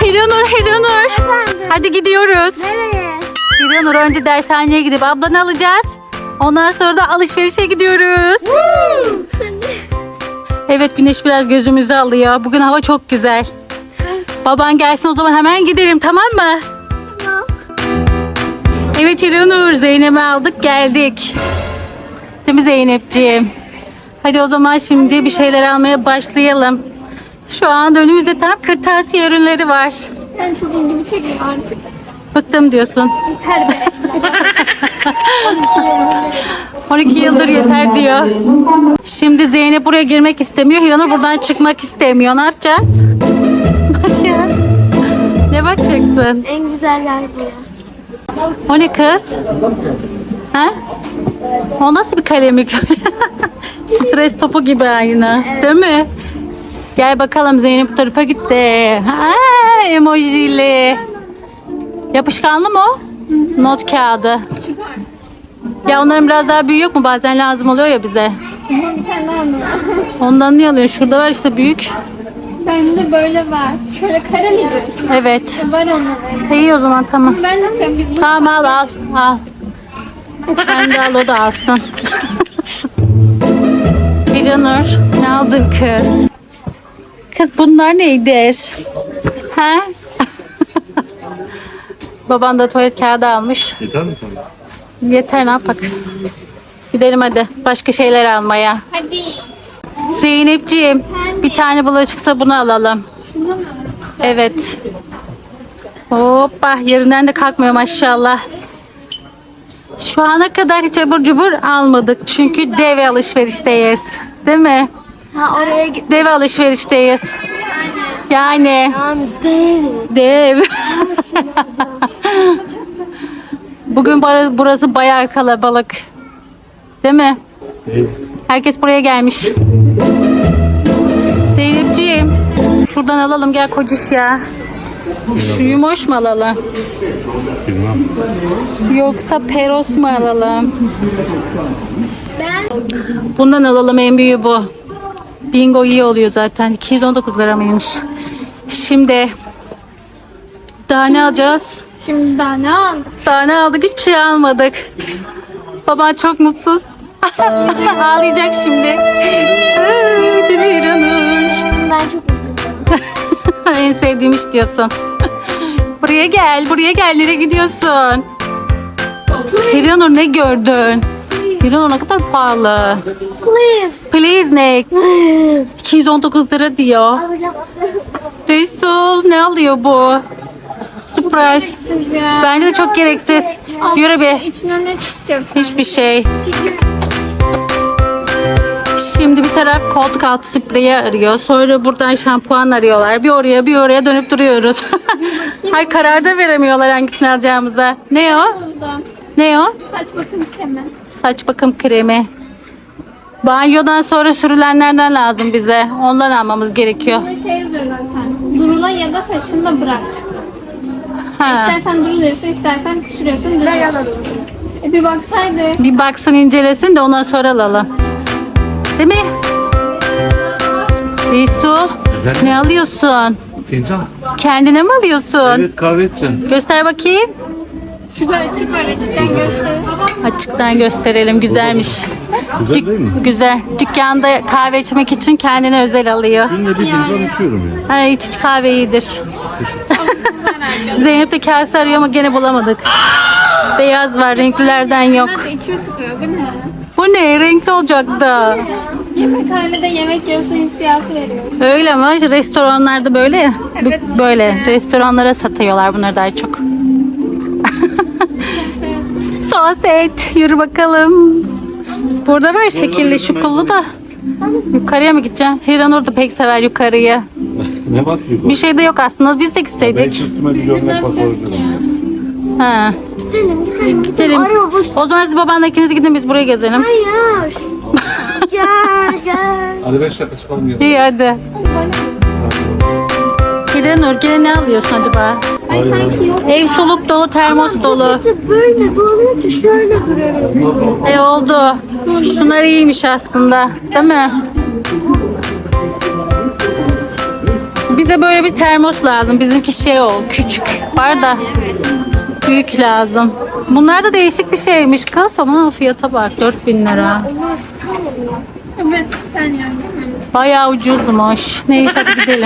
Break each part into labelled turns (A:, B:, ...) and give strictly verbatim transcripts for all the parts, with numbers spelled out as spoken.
A: Hiranur, Hiranur.
B: Efendim?
A: Hadi gidiyoruz.
B: Nereye?
A: Hiranur önce dershaneye gidip ablanı alacağız. Ondan sonra da alışverişe gidiyoruz. Evet, güneş biraz gözümüzü alıyor. Bugün hava çok güzel. Baban gelsin o zaman hemen gidelim, tamam mı?
B: Tamam.
A: Evet Hiranur, Zeynep'i aldık geldik. Değil mi Zeynepciğim? Hadi o zaman şimdi bir şeyler almaya başlayalım. Şu an önümüzde tam kırtasiye ürünleri var.
B: Ben çok ilgimi çekiyor artık.
A: Bıktım diyorsun.
B: Yeter be.
A: on iki yıldır yeter diyor. Şimdi Zeynep buraya girmek istemiyor. Hiranur buradan çıkmak istemiyor. Ne yapacağız? Bak ya. Ne bakacaksın?
B: En güzel yer bu.
A: O ne kız? Ha? O nasıl bir kalemlik? Stres topu gibi aynı. Değil mi? Gel bakalım, Zeynep bu tarafa gitti. Ha, emojili. Yapışkanlı mı o? Not kağıdı. Ya onların biraz daha büyüğü yok mu? Bazen lazım oluyor ya bize.
B: Ama bir tane daha mı var?
A: Ondan niye alıyorsun? Şurada var işte büyük.
B: Bende böyle var. Şöyle kare mi diyorsun?
A: Evet.
B: Var onların.
A: İyi o zaman, tamam.
B: Ben de istiyorum. Biz bunu
A: Tamam, al al al. Sen de al, o da alsın. Hiranur, ne aldın kız? Kız bunlar nedir? Ha? Baban da tuvalet kağıdı almış.
C: Yeter mi sana?
A: Yeter, ne yapak? Gidelim hadi başka şeyler almaya.
B: Hadi.
A: Zeynepciğim, bir tane bulaşık sabunu alalım.
B: Şurada mı?
A: Evet. Hoppa, yerinden de kalkmıyor maşallah. Şu ana kadar hiç abur cubur almadık. Çünkü dev alışverişteyiz. Değil mi?
B: Ha, oraya git.
A: Dev alışverişteyiz. Yani
B: Yani değil.
A: dev. Bugün bara- burası bayağı kalabalık. Değil mi?
C: İyi.
A: Herkes buraya gelmiş. Zeynepciğim, şuradan alalım, gel kociş ya. Şu yumoş mu alalım?
C: Bilmem.
A: Yoksa peros mu alalım?
B: Ben
A: Bundan alalım, en büyüğü bu. Bingo iyi oluyor zaten. iki yüz on dokuz lira mıymış? Şimdi daha ne alacağız?
B: şimdi daha ne aldım?
A: Daha ne aldık? Hiçbir şey almadık. Baban çok mutsuz. Ağlayacak şimdi. Ay, değil mi İranur?
B: Ben çok mutluyum.
A: En sevdiğim iş diyorsun. Buraya gel, buraya gel. Nereye gidiyorsun? İranur, ne gördün? İranur, ne kadar pahalı.
B: Please.
A: Please ne?
B: Please.
A: iki yüz on dokuz lira diyor. Resul, ne alıyor bu? Surprise.
B: Siz ya.
A: Bence de çok gereksiz. Yürü bir.
B: İçinden ne çıkacak sen?
A: Hiçbir şey. Şimdi bir taraf koltuk altı spreyi arıyor. Sonra buradan şampuan arıyorlar. Bir oraya bir oraya dönüp duruyoruz. Hay, karar da veremiyorlar hangisini alacağımıza. Ne o?
B: Oldu.
A: Ne o?
B: Saç bakım kremi.
A: Saç bakım kremi. Banyodan sonra sürülenlerden lazım bize. Ondan almamız gerekiyor.
B: Bunda şey yazıyor zaten. Durula ya da saçını da bırak.
A: Ha.
B: İstersen duruluyorsun, istersen sürüyorsun, duruyor. E bir baksaydı.
A: Bir baksın, incelesin de ondan sonra alalım. Değil mi? Resul, ne alıyorsun?
C: Fincan.
A: Kendine mi alıyorsun?
C: Evet, kahve içeceğim.
A: Göster bakayım.
B: Şurada açık var, açıktan göster.
A: Açıktan gösterelim, güzelmiş.
C: Güzel
A: Dük-
C: değil mi?
A: Güzel. Dükkanda kahve içmek için kendine özel alıyor.
C: Günde bir fincan içiyorum yani.
A: Ay, hiç kahve iyidir. Zeynep de kase arıyor ama gene bulamadık. Beyaz var, renklilerden yok.
B: Bunlar da içimi sıkıyor değil mi?
A: Bu ne? Renkli olacak da.
B: Yemekhanede yemek yiyorsun hissiyatı veriyor.
A: Öyle ama restoranlarda böyle ya. Bu-
B: Evet.
A: Böyle restoranlara satıyorlar bunları daha çok. Soset, yürü bakalım. Burada var şekilli şukullu da. Yukarıya mı gideceğim? Hiranur da pek sever yukarıyı.
C: Ne var ki?
A: Bir şey de yok aslında, biz de
C: Ben
A: gitseydik.
C: üstüme bir
B: Ne
C: gömlek
B: yapacağız
C: basarım.
B: ki ya?
A: Ha.
B: Gidelim, gidelim,
A: Gidelim. O zaman siz babanla ikiniz gidin, biz buraya gezelim.
B: Hayır. Gel, gel.
C: Hadi beş dakika çıkalım ya.
A: İyi hadi. Hiranur, gene ne alıyorsun acaba?
B: Ay sanki yok.
A: Ev soluk dolu, termos dolu.
B: Böyle böyle şöyle duruyorum.
A: E oldu. Şunlar iyiymiş aslında. Değil mi? Bize böyle bir termos lazım. Bizimki şey ol, küçük. Var da büyük lazım. Bunlar da değişik bir şeymiş kız. Ama fiyata bak, dört bin lira.
B: Onlar Stanley mi? Evet, Stanley yani.
A: Bayağı ucuzmuş. Neyse hadi gidelim.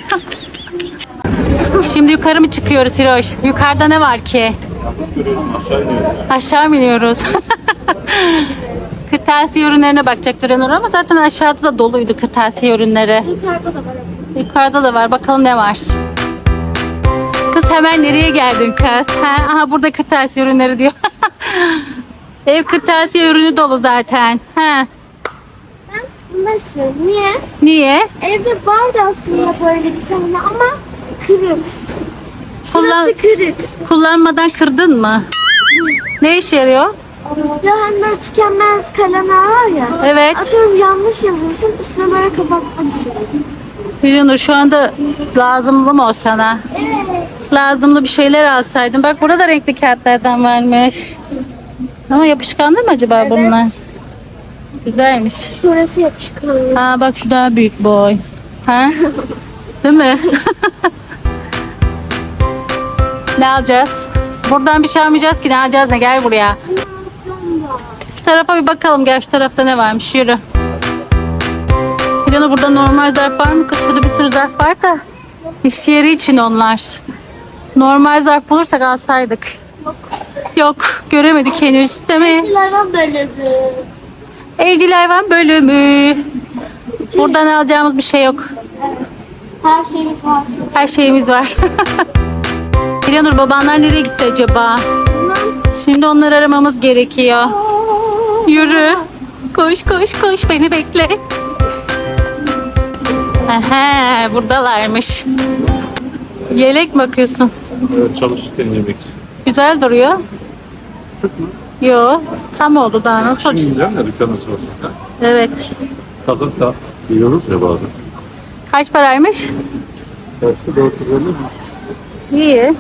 A: Şimdi yukarı mı çıkıyoruz Hiroş? Yukarıda ne var ki?
C: Aşağı iniyoruz.
A: Aşağı mı iniyoruz? Kırtasiye ürünlerine bakacaktır Enur ama zaten aşağıda da doluydu kırtasiye ürünleri.
B: Yukarıda da var.
A: Yukarıda da var. Bakalım ne var. Kız hemen nereye geldin kız? Ha, aha burada kırtasiye ürünleri diyor. Ev kırtasiye ürünü dolu zaten. Ha.
B: Ben bundan istiyorum. Niye?
A: Niye?
B: Evde vardı aslında böyle bir tane ama kırık.
A: Kullan
B: Şurası kırık.
A: kullanmadan kırdın mı? Ne işe yarıyor?
B: Ya hani böyle tükenmez kalemler var ya.
A: Evet.
B: Atıyorum yanlış yazıyorsun üstüne böyle kapatmak için.
A: Biliyorsun şu anda lazımlı mı o sana?
B: Evet.
A: Lazımlı bir şeyler alsaydın. Bak burada da renkli kağıtlardan varmış. Ama yapışkanlı mı acaba bunlar? Güzelmiş.
B: Şurası yapışkan.
A: Aa bak şu daha büyük boy. Ha? Değil mi? Ne alacağız? Buradan bir şey almayacağız ki ne alacağız ne gel buraya. Şu tarafa bir bakalım gel şu tarafta ne varmış yürü. Hilana burada normal zarf var mı kız? Şurada bir sürü zarf var da. İş yeri için onlar. Normal zarf bulursak alsaydık. Yok göremedik henüz değil mi?
B: Hayvan bölümü.
A: Evcil hayvan bölümü. Buradan alacağımız bir şey yok.
B: Her şeyimiz var.
A: Her şeyimiz var. Hilanur babanlar nereye gitti acaba? Şimdi onları aramamız gerekiyor. Yürü. Koş koş koş beni bekle. Aha, buradalarmış. Yelek mi bakıyorsun?
C: Evet, çalışırken yemek.
A: Güzel duruyor.
C: Küçük mü?
A: Yo, tam oldu daha nasıl
C: Şimdi
A: olacak?
C: güzel ya dükkanı çalışırken.
A: Evet.
C: Kazak da yiyoruz ya bazen.
A: Kaç paraymış?
C: Kaçtı? dört yüz elli mi?
A: İyi.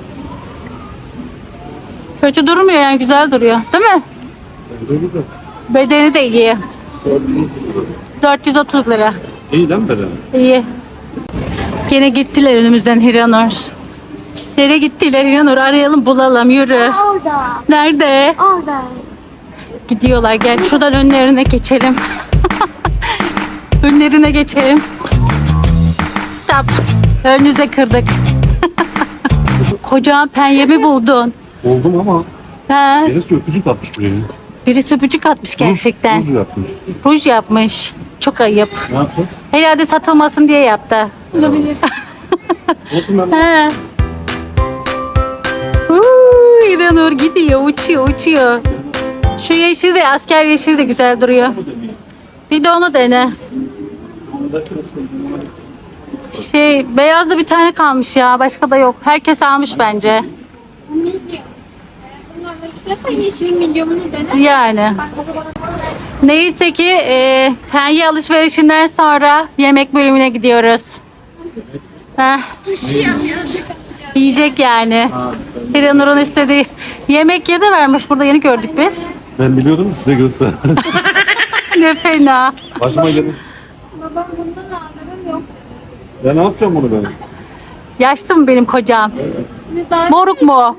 A: Kötü durmuyor yani güzel duruyor. Değil mi?
C: Güzel güzel.
A: Bedeni de iyi.
C: dört yüz lira.
A: dört yüz otuz lira.
C: İyi değil mi bedeni?
A: İyi. Gene gittiler önümüzden Hiranur. Nereye gittiler Hiranur? Arayalım bulalım yürü.
B: Orada.
A: Nerede?
B: Orada.
A: Gidiyorlar gel şuradan önlerine geçelim. Önlerine geçelim. Stop. Önünüze kırdık. Kocaman penyemi buldun.
C: Oldum ama
A: Ha,
C: birisi öpücük atmış buraya.
A: birisi öpücük atmış gerçekten.
C: Ruj yapmış.
A: Ruj yapmış. Çok ayıp.
C: Ne yapacağız?
A: Herhalde satılmasın diye yaptı.
B: Olabilir.
C: Olsun ben.
A: He. Uuu, İranur gidiyor, uçuyor, uçuyor. Şu yeşil de, asker yeşil de güzel duruyor. Bir de onu dene. Şey, beyazda bir tane kalmış ya, başka da yok. Herkes almış bence.
B: Milyon. Bunlar mesela yeşil milyonunu dene.
A: Yani. Neyse ki e, penye alışverişinden sonra yemek bölümüne gidiyoruz. Heh,
B: Taşıyamıyorduk.
A: yiyecek yani. İranur'un istediği yemek yeri de vermiş burada yeni gördük biz.
C: Ben biliyordum size göster.
A: Ne fena.
C: Başıma gelin.
B: Babam bundan al dedim yok.
C: Ya ne yapacağım bunu ben?
A: Yaşlı mı benim kocam?
B: Ne daha
A: Moruk mu o?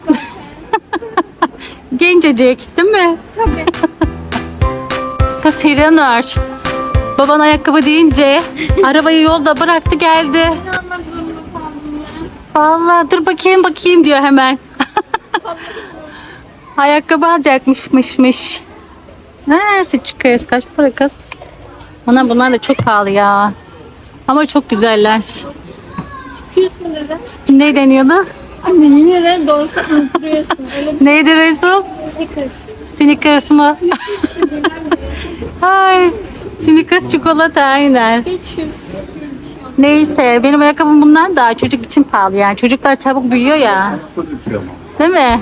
A: Gencecik değil mi?
B: tabii.
A: Kız Hiranur. Baban ayakkabı deyince arabayı yolda bıraktı geldi.
B: Ne almak zorunda kaldım ya.
A: Vallahi dur bakayım bakayım diyor hemen. Ayakkabı alacakmışmışmış. Nasıl çıkarız? Kaç para kız? Ana bunlar da çok pahalı ya. Ama çok güzeller.
B: Kırs mı dedi?
A: Ne deniyordu?
B: Anne yemin ederim doğrusu unutturuyorsun. Öyle bir
A: Neydi Resul?
B: Snickers.
A: Snickers mı?
B: İstediğinden bir
A: Ay, Snickers çikolata aynen.
B: geçiyoruz.
A: Neyse benim ayakkabım bundan daha çocuk için pahalı yani. Çocuklar çabuk büyüyor ya.
C: Çok iyi ama.
A: Değil mi?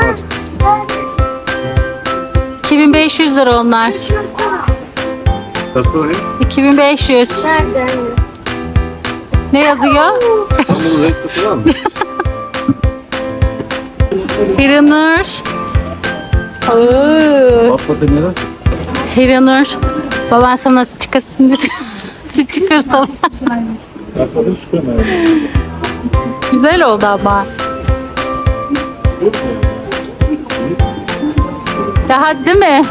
A: iki bin beş yüz lira onlar.
C: Kaç parayı?
A: iki bin beş yüz.
B: Nerede?
A: Ne yazıyor?
C: Tam bunun renklisi var mı?
A: Hiranur. Oo,
C: Basma demeyeler.
A: Hiranur. Baban sana çıkarsın. Çıkarsın.
C: Arkadaş çıkamıyor.
A: Güzel oldu ama. Ya hadi değil mi?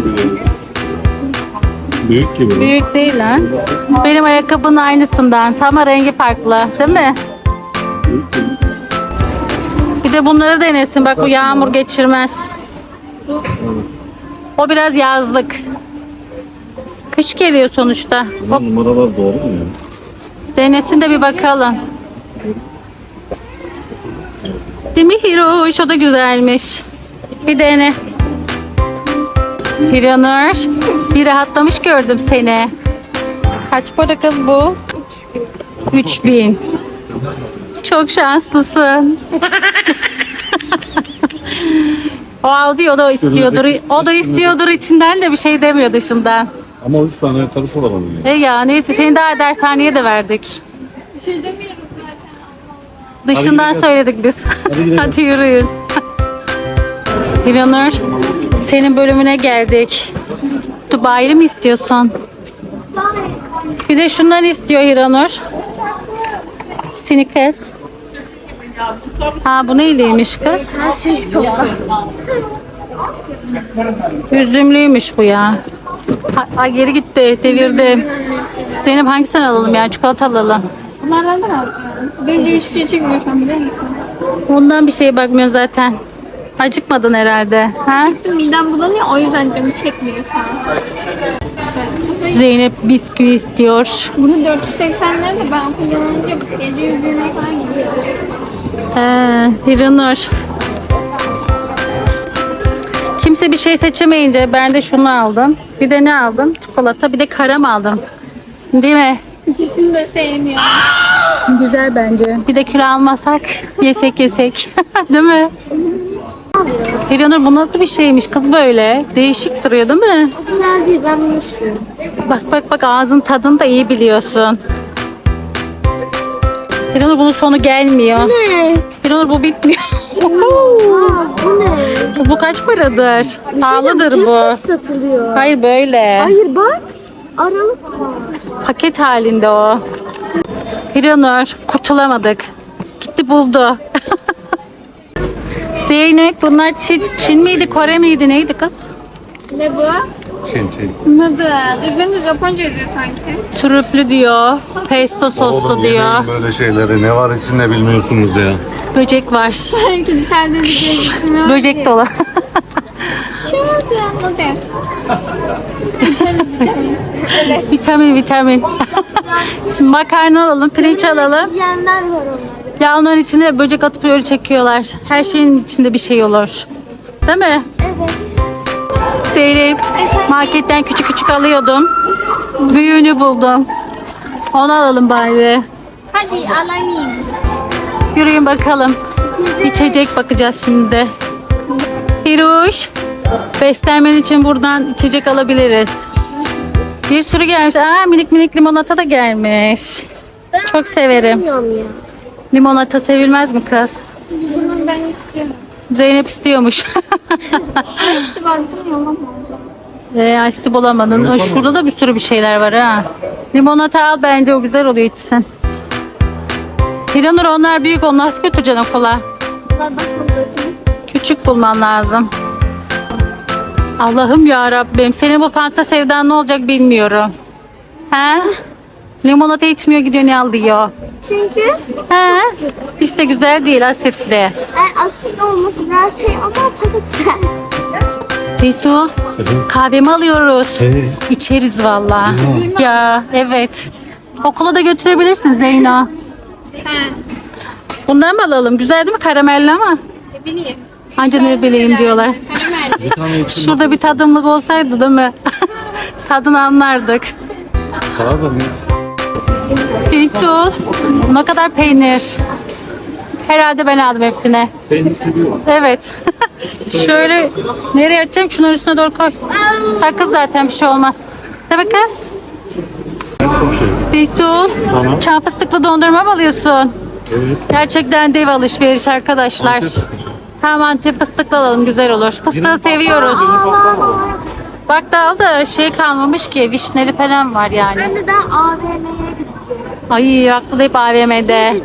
C: Büyük gibi.
A: Büyük değil ha. Benim ayakkabının aynısından. Ama rengi farklı. Değil mi? Bir de bunları denesin. Bak bu yağmur geçirmez. O biraz yazlık. Kış geliyor sonuçta.
C: Bu numaralar doğru mu ya?
A: Denesin de bir bakalım. Değil mi Hiroş? O da güzelmiş. Bir dene. Hiranur, bir rahatlamış gördüm seni. Kaç para kız bu? Üç bin. Çok şanslısın. O aldı ya, o da istiyordur. O da istiyordur, içinden de bir şey demiyor dışından.
C: Ama üç tane ayakkabısı var onun ya.
A: E ya neyse, seni daha dershaneye de verdik.
B: Bir şey demiyorum zaten.
A: Dışından
C: gidelim.
A: söyledik biz.
C: Hadi gidelim.
A: Hadi yürüyün. Hiranur, senin bölümüne geldik. Dubai'li mi istiyorsun? Bir de şundan istiyor Hiranur. Sneakers. Ha bu neyliymiş kız?
B: Her şey topla.
A: Üzümlüymüş bu ya. Ha, ay geri gitti, devirdim. Senin hangisini alalım ya? Çikolata alalım.
B: Bunlardan da mı alacağım? Benim de hiçbir şey çekmiyor şu an, biliyor musun?
A: Ondan bir şeye bakmıyorsun zaten. Acıkmadın herhalde. Ha?
B: Midem bulanıyor, o yüzden canım çekmiyor şu an.
A: Zeynep bisküvi istiyor.
B: Bunu dört yüz seksen lira da ben kullanınca yedi yüz yirmiye falan gidiyor.
A: Ee, Hiranur. Kimse bir şey seçemeyince ben de şunu aldım. Bir de ne aldım? Çikolata, bir de karam aldım. Değil mi?
B: İkisini de sevmiyorum.
A: Güzel bence. Bir de kilo almasak yesek yesek. Değil mi? Hiranur, bu nasıl bir şeymiş kız böyle? Değişik duruyor değil mi?
B: Güzel değil, ben bunu istiyorum.
A: Bak bak bak, ağzın tadını da iyi biliyorsun. Hiranur, bunun sonu gelmiyor.
B: Ne?
A: Hiranur, bu bitmiyor.
B: Bu ne?
A: Kız bu kaç paradır? Pahalıdır bu.
B: Satılıyor.
A: Hayır böyle.
B: Hayır bak. Aralık var.
A: Paket halinde o. Hiranur, kurtulamadık. Gitti buldu. Zeynep, bunlar Çin, Çin miydi, Kore miydi, neydi kız?
B: Ne bu?
C: Çin çin.
B: Noodle. Üzerinde Japonca yazıyor sanki.
A: Trüflü diyor, pesto soslu
C: Oğlum,
A: diyor.
C: yemeyin böyle şeyleri. Ne var içinde bilmiyorsunuz ya.
A: Böcek var.
B: Sanki dışarıda bir
A: Böcek dolu.
B: Şu nasıl ya? Noodle. Vitamin, vitamin. Evet.
A: Vitamin vitamin. Şimdi makarna alalım, pirinç alalım.
B: Yiyenler var onlar.
A: Ya onların içine böcek atıp öyle çekiyorlar. Her şeyin içinde bir şey olur. Değil mi?
B: Evet.
A: Zeynep, marketten küçük küçük alıyordum. Büyüğünü buldum. Onu alalım bari.
B: Hadi alayım.
A: Yürüyün bakalım. İçecek bakacağız şimdi. Hiruş, beslenmen için buradan içecek alabiliriz. Bir sürü gelmiş. Aa, minik minik limonata da gelmiş. Çok severim.
B: Bilmiyorum ya.
A: Limonata sevilmez mi kız?
B: Bunu ben istiyorum.
A: Zeynep istiyormuş.
B: Ben işte baktım yalan.
A: Eee açtı bulamadın. Aa, şurada da bir sürü bir şeyler var ha. Limonata al, bence o güzel oluyor, içsin. Hiranur, onlar büyük, onu nasıl götüreceksin okula?
B: Bunlar bakmadım zaten.
A: Küçük bulman lazım. Allah'ım ya Rabbim, senin bu Fanta sevdan ne olacak bilmiyorum. He? Limonata içmiyor, gidiyor ne al diyor.
B: Çünkü
A: He? İşte güzel değil, asitli.
B: yani aslında olması biraz şey ama tadı güzel.
A: Resul, kahvemi alıyoruz.
C: Hey.
A: İçeriz valla. Ya evet. Okula da götürebilirsin Zeyno.
B: He.
A: Bundan mı alalım? Güzel değil mi? Karamelli ama.
B: Ne bileyim.
A: Anca ne bileyim diyorlar.
B: Karamel.
A: Şurada bir tadımlık olsaydı değil mi? Tadını anlardık.
C: Pardon.
A: Resul, ne kadar peynir. Herhalde ben aldım hepsine.
C: Peynir seviyorum.
A: Evet. Şöyle nereye atacağım? Şunun üstüne doğru koy. Sakız zaten, bir şey olmaz. Değil mi kız?
C: Çok şey.
A: Resul,
C: Tamam.
A: çam fıstıklı dondurma mı alıyorsun?
C: Evet.
A: Gerçekten dev alışveriş arkadaşlar.
C: Antep fıstıklı.
A: Tamam, Antep fıstıklı alalım, güzel olur. Fıstığı seviyoruz. Bak da al da şey kalmamış ki, vişneli falan var yani.
B: Ben de daha A V M'ye gideceğim.
A: Ay aklı da hep A V M'de.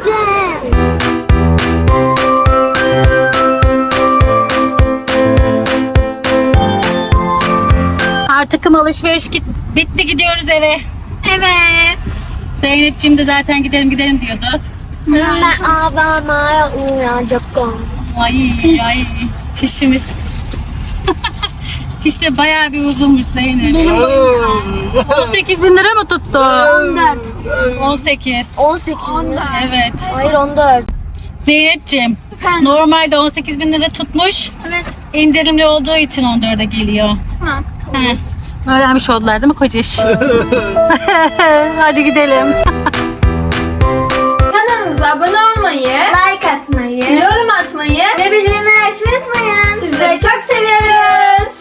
A: Artık alışveriş git bitti, gidiyoruz eve.
B: Evet.
A: Zeynep'ciğim de zaten giderim giderim diyordu.
B: Ben ağlamaya uyanacağım.
A: Ay ay fişimiz. Fiş de bayağı bir uzunmuş Zeynep. on sekiz bin lira mı tuttu?
B: on dört.
A: on sekiz.
B: on sekiz. on dört.
A: Evet.
B: Hayır on dört.
A: Zeynep'ciğim
B: Efendim?
A: normalde on sekiz bin lira tutmuş.
B: Evet.
A: İndirimli olduğu için on dörde geliyor.
B: Tamam.
A: He. Öğrenmiş oldular değil mi kociş? Hadi gidelim.
B: Kanalımıza abone olmayı, like atmayı, yorum atmayı ve bildirimleri açmayı unutmayın. Sizleri çok seviyoruz.